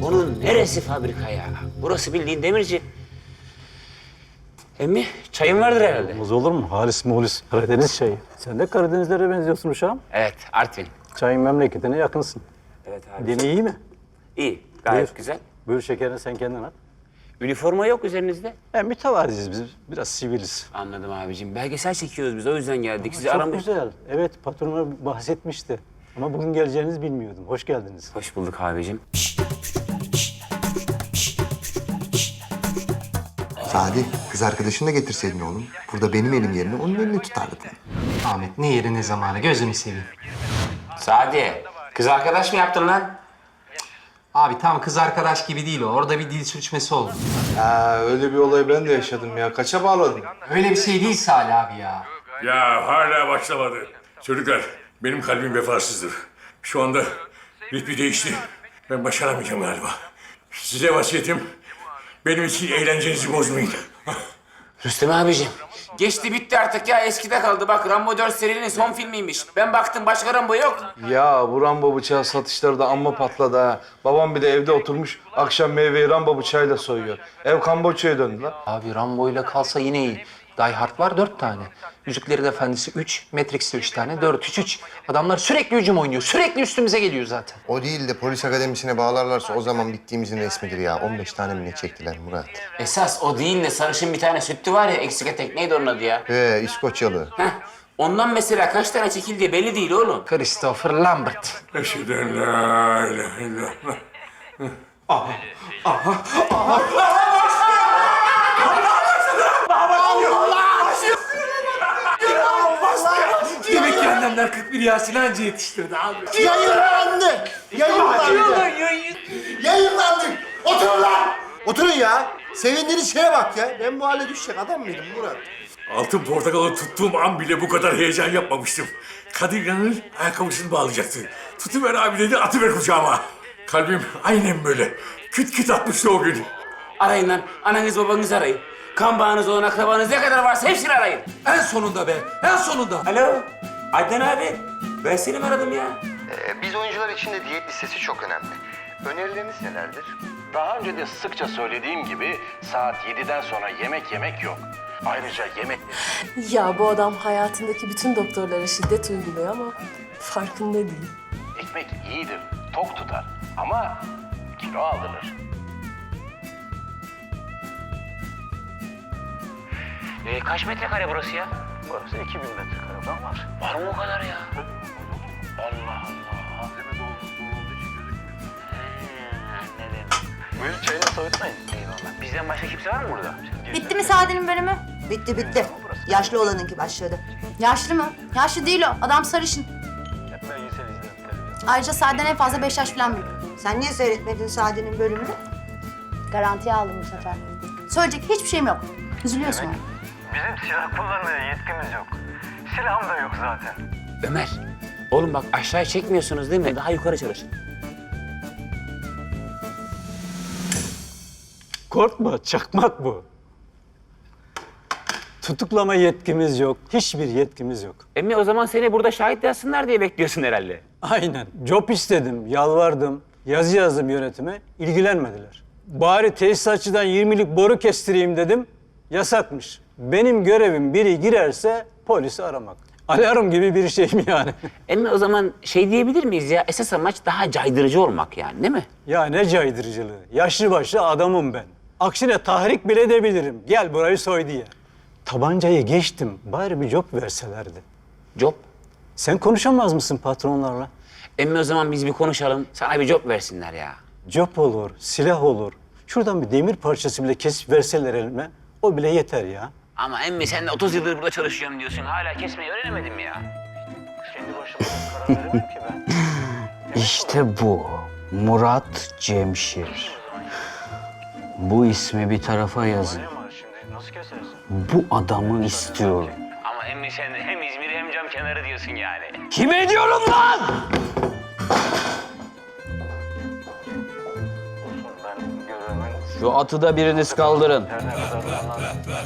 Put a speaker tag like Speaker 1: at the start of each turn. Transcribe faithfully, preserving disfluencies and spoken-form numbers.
Speaker 1: Onun neresi fabrika ya? Burası bildiğin demirci. Emmi, çayın vardır herhalde.
Speaker 2: Olmaz olur mu? Halis muhlis. Karadeniz çayı. Sen de Karadenizlere benziyorsun uşağım.
Speaker 1: Evet, Artvin.
Speaker 2: Çayın memleketine yakınsın.
Speaker 1: Evet abi.
Speaker 2: Dini iyi mi?
Speaker 1: İyi, gayet
Speaker 2: Buyur.
Speaker 1: güzel.
Speaker 2: Buyur şekerini sen kendin at.
Speaker 1: Üniforma yok üzerinizde.
Speaker 2: Yani mütevaziyiz biz. Biraz siviliz.
Speaker 1: Anladım abicim. Belgesel çekiyoruz biz, o yüzden geldik. Sizi
Speaker 2: Çok
Speaker 1: aramış.
Speaker 2: güzel. Evet patronuma bahsetmişti. Ama bugün geleceğinizi bilmiyordum. Hoş geldiniz.
Speaker 1: Hoş bulduk abicim.
Speaker 3: Sadi, kız arkadaşını da getirseydin oğlum. Burada benim elim yerine onun elini tutardın.
Speaker 4: Ahmet ne yeri ne zamanı gözünü seveyim.
Speaker 1: Sadi, kız arkadaş mı yaptın lan?
Speaker 4: Abi tam kız arkadaş gibi değil o. Orada bir dil sürçmesi oldu.
Speaker 5: Ha, öyle bir olayı ben de yaşadım ya. Kaça bağladın?
Speaker 4: Öyle bir şey değil Salih abi ya.
Speaker 6: Ya hala başlamadı. Çocuklar, benim kalbim vefasızdır. Şu anda ritmi değişti. Ben başaramayacağım galiba. Size vasiyetim, benim için eğlencenizi bozmayın.
Speaker 1: Rüstem abicim. Geçti bitti artık ya, eskide kaldı. Bak Rambo dört serinin son filmiymiş. Ben baktım, başka Rambo yok.
Speaker 5: Ya bu Rambo bıçağı satışları da amma patladı ha. Babam bir de evde oturmuş, akşam meyveyi Rambo bıçağıyla soyuyor. Ev Kamboçya'ya döndü lan.
Speaker 4: Abi Rambo ile kalsa yine iyi. Die Hard var dört tane. Yüzüklerin Efendisi üç, Matrix'te üç tane, dört, üç, üç. Adamlar sürekli hücum oynuyor. Sürekli üstümüze geliyor zaten.
Speaker 3: O değil de polis akademisine bağlarlarsa o zaman bittiğimizin resmidir ya. on beş tane mi ne çektiler Murat?
Speaker 1: Esas o değil de sarışın bir tane sütlü var ya, eksik etek, neydi onun adı ya?
Speaker 3: He, İskoçyalı.
Speaker 1: Heh, ondan mesela kaç tane çekildiği belli değil oğlum.
Speaker 4: Christopher Lambert.
Speaker 6: Eşhedü en la ilahe illallah.
Speaker 4: Demek ki annemler kırk bir Yasin anca yetiştirdi abi.
Speaker 7: Yayınlandı! Yayınlandı! Yayınlandık! Oturun lan! Oturun ya! Sevindiğiniz şeye bak ya. Ben bu hale düşecek adam mıydım Murat?
Speaker 6: Altın portakalı tuttuğum an bile bu kadar heyecan yapmamıştım. Kadir İnanır ayakkabısını bağlayacaktı. Tutuver abi dedi, atıver kucağıma. Kalbim aynen böyle. Küt küt atmıştı o gün.
Speaker 1: Arayın lan, ananız babanızı arayın. Kan bağınız olan akrabanız ne kadar varsa hepsini arayın.
Speaker 4: En sonunda be, en sonunda.
Speaker 1: Alo, Adnan abi. Ben seni mi aradım ya?
Speaker 3: Ee, biz oyuncular için de diyet listesi çok önemli. Önerileriniz nelerdir?
Speaker 8: Daha önce de sıkça söylediğim gibi saat yediden sonra yemek yemek yok. Ayrıca yemek...
Speaker 9: Ya bu adam hayatındaki bütün doktorlara şiddet uyguluyor ama farkında değil.
Speaker 8: Ekmek iyidir, tok tutar ama kilo aldırır.
Speaker 1: Ee, kaç metrekare burası ya?
Speaker 8: Burası iki bin metrekare falan var.
Speaker 1: Var mı o kadar ya?
Speaker 8: Allah Allah.
Speaker 1: Anladım.
Speaker 8: Buyur çayını soğutmayın.
Speaker 1: Eyvallah. Bizden başka kimse var mı burada?
Speaker 10: Bitti mi Sadi'nin bölümü?
Speaker 11: Bitti bitti. Yaşlı olanınki başladı.
Speaker 10: Yaşlı mı? Yaşlı değil o. Adam sarışın.
Speaker 8: Belgesel izledim televizyon.
Speaker 10: Ayrıca Sadi'den en fazla beş yaş falan büyük.
Speaker 11: Sen niye seyretmedin Sadi'nin bölümünü?
Speaker 10: Garantiye aldım bu sefer. Söyleyecek hiçbir şeyim yok. Üzülüyorsun ama.
Speaker 8: Bizim silah kullanmaya yetkimiz yok. Silahım da yok zaten.
Speaker 1: Ömer, oğlum bak aşağıya çekmiyorsunuz değil mi? Daha yukarı çalışın.
Speaker 2: Korkma, çakmak bu. Tutuklama yetkimiz yok. Hiçbir yetkimiz yok.
Speaker 1: Emmi o zaman seni burada şahit yazsınlar diye bekliyorsun herhalde.
Speaker 2: Aynen. Job istedim, yalvardım. Yazı yazdım yönetime. İlgilenmediler. Bari tesisatçıdan yirmilik boru kestireyim dedim. Yasakmış. Benim görevim biri girerse polisi aramak. Alarm gibi bir şey mi yani?
Speaker 1: Emmi o zaman şey diyebilir miyiz ya? Esas amaç daha caydırıcı olmak yani, değil mi?
Speaker 2: Ya ne caydırıcılığı. Yaşlı başlı adamım ben. Aksine tahrik bile edebilirim. Gel burayı soy diye. Tabancayı geçtim. Bari bir job verselerdi.
Speaker 1: Job.
Speaker 2: Sen konuşamaz mısın patronlarla?
Speaker 1: Emmi o zaman biz bir konuşalım. Sana bir job versinler ya.
Speaker 2: Job olur, silah olur. Şuradan bir demir parçası bile kesip verseler elime. O bile yeter ya.
Speaker 1: Ama emmi sen de otuz yıldır burada çalışıyorum diyorsun. Hala kesmeyi öğrenemedin mi ya?
Speaker 8: Kendi başıma karar veremem ki ben.
Speaker 12: İşte bu. Murat Cemşir. Bu ismi bir tarafa yazın.
Speaker 8: Ama şimdi nasıl kesersin?
Speaker 12: Bu adamı istiyorum.
Speaker 1: Ama emmi sen de hem İzmir hem cam kenarı diyorsun yani.
Speaker 12: Kime diyorum lan?
Speaker 8: Ben görevimi
Speaker 12: Şu atı da biriniz kaldırın.
Speaker 8: her ne kadar bana